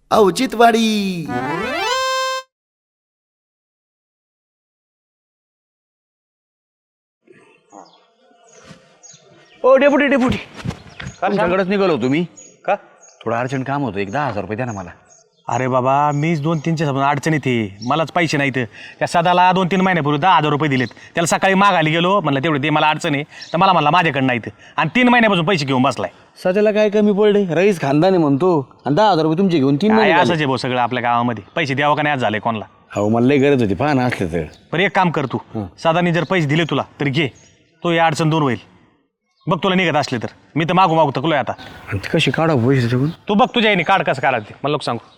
औचित्यवाडी. ओ deputy तुमच्याकडेच निघालो तुम्ही का? थोडं अर्जंट काम होतं, 10,000 रुपये द्या ना मला. अरे बाबा मीच 2-3च्या समोर अडचणीत आहे, मलाच पैसे नाहीत. त्या सदाला 2-3 महिन्यापूर्वी 10,000 रुपये दिलेत. त्याला सकाळी मागायला गेलो, म्हणलं तेवढे ते मला अडचण आहे, तर मला म्हणला माझ्याकडे नाहीत. आणि 3 महिन्यापासून पैसे घेऊन बसलाय. सध्याला काय कमी पडले, रईस खानदानी म्हणतो आणि 10,000 रुपये तुमचे घेऊन 3 काय महिने असंच झाले. आहे भाऊ सगळं आपल्या गावामध्ये. पैसे द्यावं का नाही आज झाले कोणाला. हो मला लई गरज होती, पहा ना असले तर. बरं एक काम कर तू, सदानी जर पैसे दिले तुला तर घे, तो या अडचण दूर होईल. बघ तुला निघत असले तर. मी तर मागू थकलोय आता. आणि ते कशी काढा पैसे त्याच्याकडून. तू बघ तुझ्या याने काढ कसं काढायचं ते मला लोक सांगू.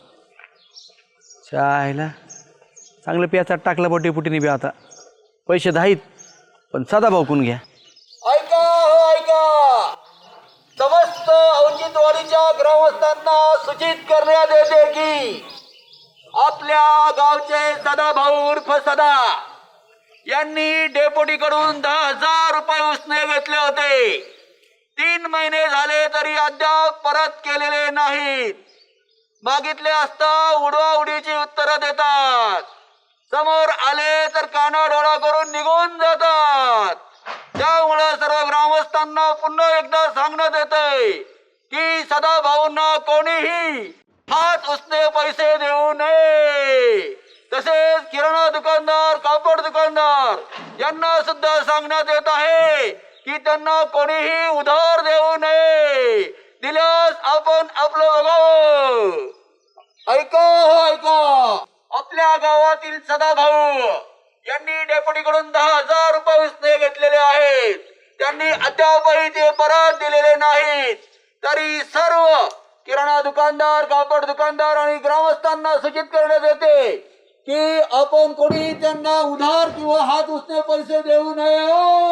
चायला चांगलं प्याचात टाकला बा डेपुटीने बी. आता पैसे दाहीत पण सदा भाऊकून घ्या. ऐका हो ऐका, समस्त औचित्यवाडीच्या ग्रामस्थांना सूचित करण्यात येते की आपल्या गावचे सदाभाऊ उर्फ सदा यांनी डेपुटीकडून 10,000 रुपये उसने घेतले होते. 3 महिने झाले तरी अद्याप परत केलेले नाहीत. मागितले असता उडवाउडीची उत्तरं देतात, समोर आले तर कानाडोळा करून निघून जातात. त्यामुळे सर्व ग्रामस्थांना पुन्हा एकदा सांगण्यात येतंय की सदाभाऊंना कोणीही हात उसने पैसे देऊ नये. तसेच किराणा दुकानदार, कापड दुकानदार यांना सुद्धा सांगण्यात येत आहे की त्यांना कोणीही उधार देऊ नये. दिल्यास आपण आपलं बघावं. ऐका हो ऐका, आपल्या गावातील सदाभाऊ यांनी डेपुटीकडून 10,000 रुपये उसने घेतलेले आहेत. त्यांनी अद्यापही ते परत दिलेले नाहीत. तरी सर्व किराणा दुकानदार, कापड दुकानदार आणि ग्रामस्थांना सूचित करण्यात येते की आपण कोणी त्यांना उधार किंवा हात उसने पैसे देऊ नये.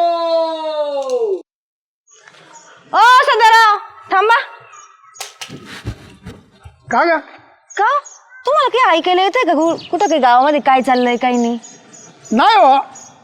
ओ सदाराव थांबा. का ग? का तुम्हाला काही ऐकायला येतंय का कुठं काही गावामध्ये काय चाललंय काही नाही? नाही हो.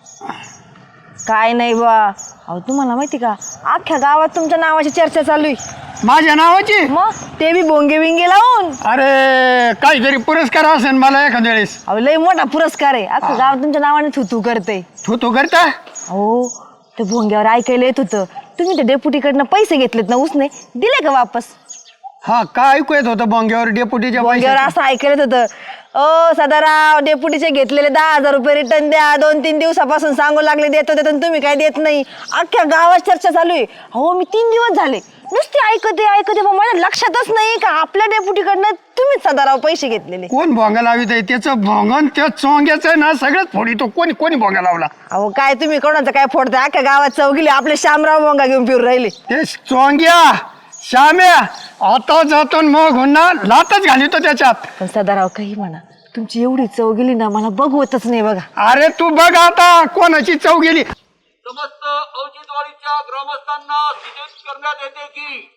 काय नाही बा. अहो तुम्हाला माहिती का अख्ख्या गावात तुमच्या नावाची चर्चा चालू आहे. माझ्या नावाची? मग ते बी बोंगे बिंगे लावून. अरे काहीतरी पुरस्कार असेल मला एखाद्या वेळेस. अहो लय मोठा पुरस्कार आहे. अख्खं गाव तुमच्या नावाने थुतू करते. तू करता? अहो ते भोंग्यावर ऐकायला येत होतं तुम्ही ते डेपुटीकडनं पैसे घेतलेत ना उसने, दिले का वापस? हा काय ऐकू येत होतं बोंग्यावर डेपुटीच्या भोंग्यावर पैशाचं? असं ऐकायला येत होतं, ओ सदाराव डेपुटीचे घेतलेले 10,000 रुपये रिटर्न द्या. 2-3 दिवसापासून सांगू लागले देतो देतो, तुम्ही काय देत नाही. अख्ख्या गावात चर्चा चालू आहे. हो मी 3 दिवस झाले नुसते ऐकते पण माझ्या लक्षातच नाही का आपल्या डेपुटीकडनं तुम्हीच सदाराव पैसे घेतलेले. कोण भोंगा लावित आहे? त्याचं भोंगण त्या चोंग्याचं ना सगळंच फोडी. तो कोणी भोंगा लावला? अहो काय तुम्ही कोणाचं काय फोडताय? अख्ख्या गावात चौगीले आपले शामराव भोंगा घेऊन फिरून राहिले. ते चोंग्या श्याम्या आता जातो मग हुन्ना लातच घालितो त्याच्यात. पण सदाराव काही म्हणा, तुमची एवढी चव गेली ना मला बघवतच नाही बघा. अरे तू बघ आता कोणाची चव गेली. समस्त औचित्यवाडीच्या ग्रामस्थांना सूचित करण्यात येते की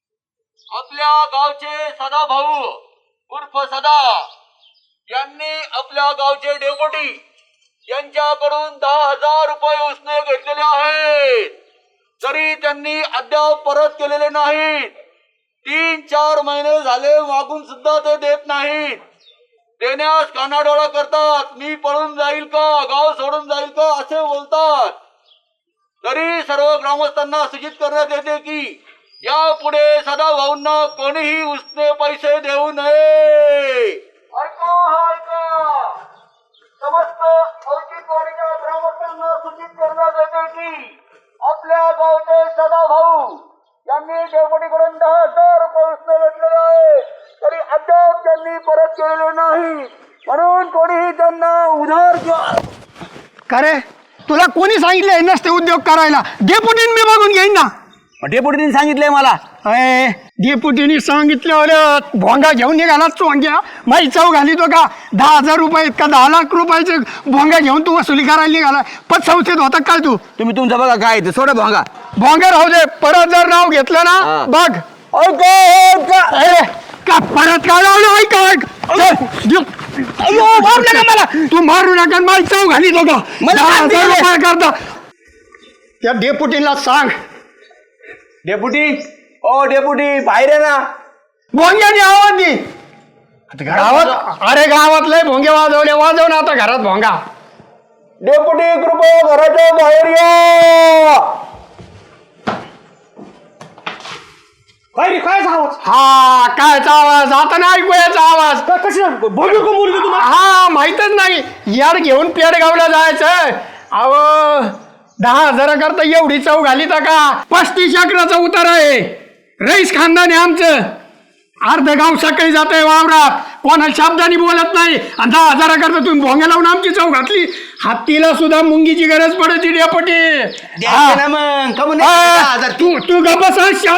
आपल्या गावचे सदाभाऊ उर्फ सदा यांनी आपल्या गावचे डेपुटी यांच्याकडून 10,000 रुपये उसने घेतलेले आहेत. तरी त्यांनी अद्याप परत केलेले नाहीत. 3-4 महिने झाले मागून सुद्धा ते देत नाहीत. देण्यास कानाडोळा करतात. मी पळून जाईल का, गाव सोडून जाईल का असे बोलतात. तरी सर्व ग्रामस्थांना सूचित करण्यात येते की यापुढे सदाभाऊंना कोणीही उसने पैसे देऊ नये. ऐका ऐका, समस्त औचित्यवाडीच्या ग्रामस्थांना सूचित करण्यात येते की आपल्या गावचे सदाभाऊ यांनी डेपुटीकडून 10,000 रुपये उसने घेतलेले आहे. तरी अद्याप त्यांनी परत केलेले नाही. म्हणून कोणीही त्यांना उधार किंवा का रे तुला कोणी सांगितलंय नसते उद्योग करायला? डेपुटीने मी बघून घेईन ना. डेपुटीने सांगितलंय मला. अय डेपुटीने सांगितलं भोंगा घेऊन निघाला चोंग्या. माई चव घाली तो का? 10,000 रुपये का 10 लाख रुपयाचे भोंगा घेऊन तू वसुली करायला निघाला? पण संस्थेत होता काय तू? तुम्ही तुमचं बघा काय ते सोडा भोंगा. भोंगा राहू दे, परत जर नाव घेतलं ना हा. बघ. का परत काय लावलं? ऐक मारू नका मला. तू मारू नका. माई चव घाली तो का? 10,000 रुपये करता. त्या डेपुटीला सांग. डेपुटी, ओ डेपुटी बाहेर आहे ना. भोंग्याने आवाज दे. गावात अरे गावात लय भोंगे वाजव ना आता घरात भोंगा. डेपुटी कृपया घराच्या बाहेर या. हा कायचा आवाज आता नाही ऐकूयाचा आवाज. हा माहितच नाही. यार घेऊन पेडगावला जायचं. अहो 10,000 करता एवढी चव घाली का? 35 एकराचा उतार आहे. रईस खानदान आहे आमचं. अर्ध गाव सकाळी जात आहे वावरात. कोणा शब्दानी बोलत नाही. आणि 10,000 करता तुम्ही भोंग्या लावून आमची चव घातली. हत्तीला सुद्धा मुंगीची गरज पडते डेपुटी. तू गप्पा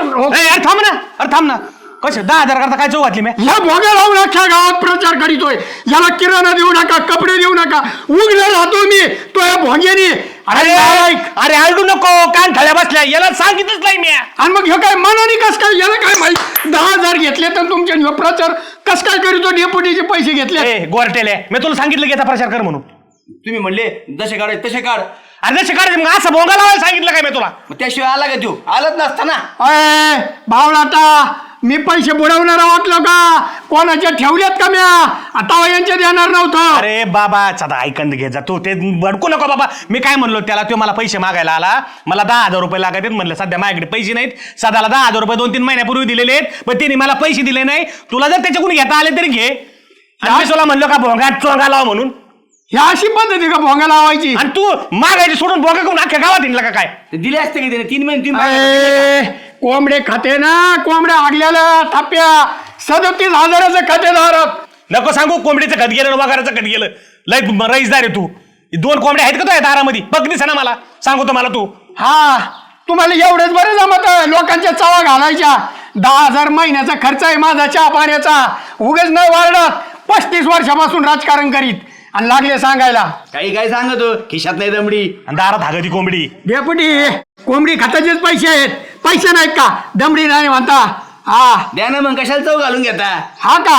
थांब ना कसे 10,000 करता काय चव घातली मी? ह्या भोग्या लावून अख्ख्या गावात प्रचार करीतोय. याला किराणा देऊ नका, कपडे देऊ नका. उगले राहतो मी तो या भोग्यानी. अरे आलडू नको, कान ठळ्या बसल्या. याला सांगितलंच नाही मी. आणि मग हे काय मनाने कस काय? याला काय माहित? 10,000 घेतले तर तुमच्या ह्यो प्रचार कस काय करीतो? डेपुटीचे पैसे घेतले. गोरटेले मी तुला सांगितलं की याचा प्रचार कर म्हणून. तुम्ही म्हणले जसे काढ तसे काढ. अरे जसे काढ मग असं भोंगा लावायला सांगितलं काय मी तुला? मग त्याशिवाय आला का तू? आलत नसता ना. अय भावलाटा, मी पैसे बुडवणारा वाटलो का? कोणाच्या ठेवल्यात का म्या? आता यांच्या देणार नव्हतं. अरे बाबा सदा ऐकंद घे जा तू. ते भडकू नको बाबा. मी काय म्हणलो त्याला, तो मला पैसे मागायला आला. मला 10,000 रुपये लागत म्हणलं सध्या माझ्याकडे पैसे नाहीत. सदाला 10,000 रुपये 2-3 महिन्यापूर्वी दिलेले आहेत, पण तिने मला पैसे दिले नाही. तुला जर त्याच्याकडून घेता आले तरी घे. आणि मी तुला म्हणलो का भोंगा चोंगा लाव म्हणून? ही अशी पद्धती का भोंगा लावायची? आणि तू मागायची सोडून भोंगा करून अख्ख्या गावात हिंडला का काय? ते दिले असते की त्याने 3 महिने 3 महिने. कोंबडे खाते ना, कोंबड्या आगल्याला थाप्या 37,000चं खातेदारात. नको सांगू कोंबडीचं खत गेलं वगाराचं खत गेलं. लय रईसदार आहे तू. 2 कोंबड्या आहेत का तो दारामध्ये? बघ दिसा ना मला. सांगतो मला तू. हा तुम्हाला एवढंच बरं जमत लोकांच्या चवा घालायच्या. 10,000 महिन्याचा खर्च आहे माझा चहा पाण्याचा. उगच नाही वाढत. 35 वर्षापासून राजकारण करीत आणि लागले सांगायला. काही काय सांगतो खिशात नाही दमडी आणि दारात हागती कोंबडी. डेपुटी कोंबडी खात्याचेच पैसे आहेत. पैसे नाहीत का? दमडी नाही म्हणता. हा द्या ना मग. कशाला चव घालून घेता? हा का?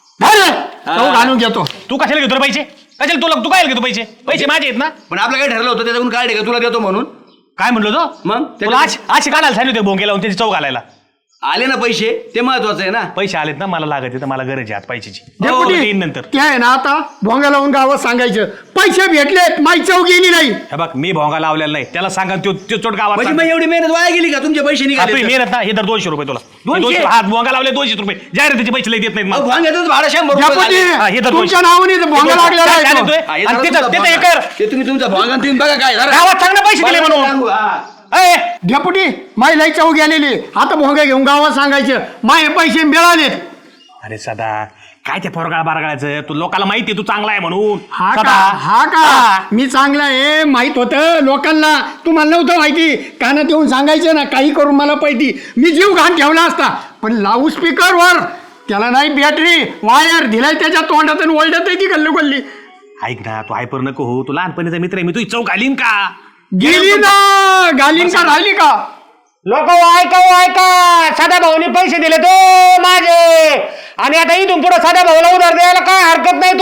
धर तो घालून घेतो. तू कशाला घेतो रे पैसे? कशाला तू काय घेतो पैसे? पैसे माझे आहेत ना. पण आपलं काय ठरलं होतं त्याच्याकडून काढे का तुला देतो म्हणून? काय म्हणलो तो? मग तुला अशी काढायला सांगितलं होते भोंगे लावून त्याची चव घालायला. आले ना पैसे, ते महत्वाचं आहे ना. पैसे आलेत ना, मला लागत आहे, मला गरज आहे आज पैशाची. डेपुटी येईन नंतर. ते आहे ना आता भोंगा लावून गावात सांगायचं पैसे भेटलेत, माई चव गेली नाही. हे बघ मी भोंगा लावलेला नाही. त्याला सांगा तो चोट गावात म्हणजे मग एवढी मेहनत वाया गेली का? तुमचे पैसे निघाले तर? मेहनत ना. हे तर 200 रुपये तुला. 200? हात भोंगा लावले 200 रुपये. जाहिरातीचे पैसे लई देत नाहीत मला. भांग्यातच भाडं 100 रुपये डेपुटी झाले. हे तर तुमच्या 200. नावाने भोंगा लागलेला काय आहे तो. देतोय? हा, हे आणि जरा तिथं तुमचा तिथं भांगा. एकर ते तुम्ही तुमचा भांगा तुम्ही बघा काय झालं. गावात चांगले पैसे दिले म्हणून. सांगू, हा. ए, डेपुटी माई लई चव गेलेली. आता भोंगा घेऊन गावात सांगायचं माय पैसे मिळालेत. अरे सदा काय ते पोरगाळ बारगाळायचं? तू लोकांना माहिती आहे तू चांगला आहे म्हणून. हा का? सदा. हा का? मी चांगला आहे माहित होतं लोकांना. तुम्हाला नव्हतं माहिती. कानात येऊन सांगायचं ना काही करून मला पाहिजे. मी जीव घाण ठेवला असता. पण लाऊड स्पीकरवर त्याला नाही बॅटरी वायर दिलाय त्याच्या तोंडात आणि ओरडत आहे ती गल्ली गल्ली. ऐक ना तू हायपर नको हो. तू लहानपणीचा मित्र आहे. मी तुझी चौक घालीन का? गेली ना गालीन का राहिली का? लोक ऐका साधा भाऊनी पैसे दिले तो माझे. आणि आता इथून पुढे साधा भाऊला उधार द्यायला काय हरकत नाही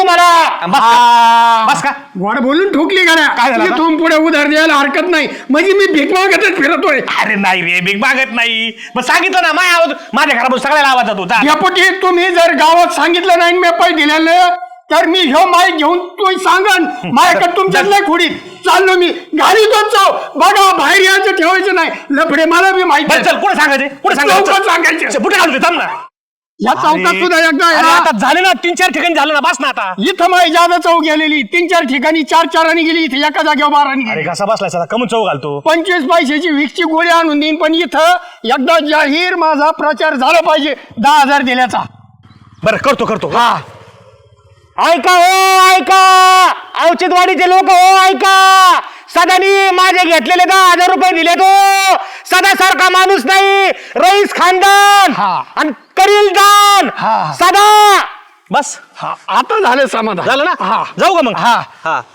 तुम्हाला. बस का? गोड बोलून ठोकली गाड्या. काय झालं आता? इथून पुढे उधार द्यायला हरकत नाही. म्हणजे मी भीक मागतच फिरतोय. अरे नाही रे बिग मागत नाही. मग सांगितलं ना माझ्या घरापासून सगळ्याला आवाज जातो. डेपुटी तुम्ही जर गावात सांगितलं नाही मी पैसे दिलेलं तर मी ह्यो माय घेऊन तू सांगन माझ्याकडे तुमच्यात लय खोडीत चाललो मी. घाली तोच बघा बाहेर यायचं ठेवायचं नाही. लफडे मला बी माहिती आहे. चल कुठे सांगायचे? कुठे चौकात सांगायचं. कुठे घालू थांब ना. या चौकात सुद्धा एकदा अरे या. आता झाले ना 3-4 ठिकाणी झालं ना. बस ना आता. इथं माई जादा चौक गेलेली 3-4 ठिकाणी 4-4 गेली. इथे एका जागेवर 12 अरे कसा बसलाय सदा कमून चौ घालतो. 25 पैशाची विकची गोळी आणून देईन. पण इथं एकदा जाहीर माझा प्रचार झाला पाहिजे 10,000 दिल्याचा. बरं करतो. हा ऐका हो ऐका. औचित्यवाडीचे लोक हो ऐका. सदानी माझे घेतलेले 10,000 रुपये दिले तो. सदा सारखा माणूस नाही. रईस खानदान हा. आणि करील दान. हा. सदा बस हा आता झालं समाधान. झालं ना. हा जाऊ का मग? हा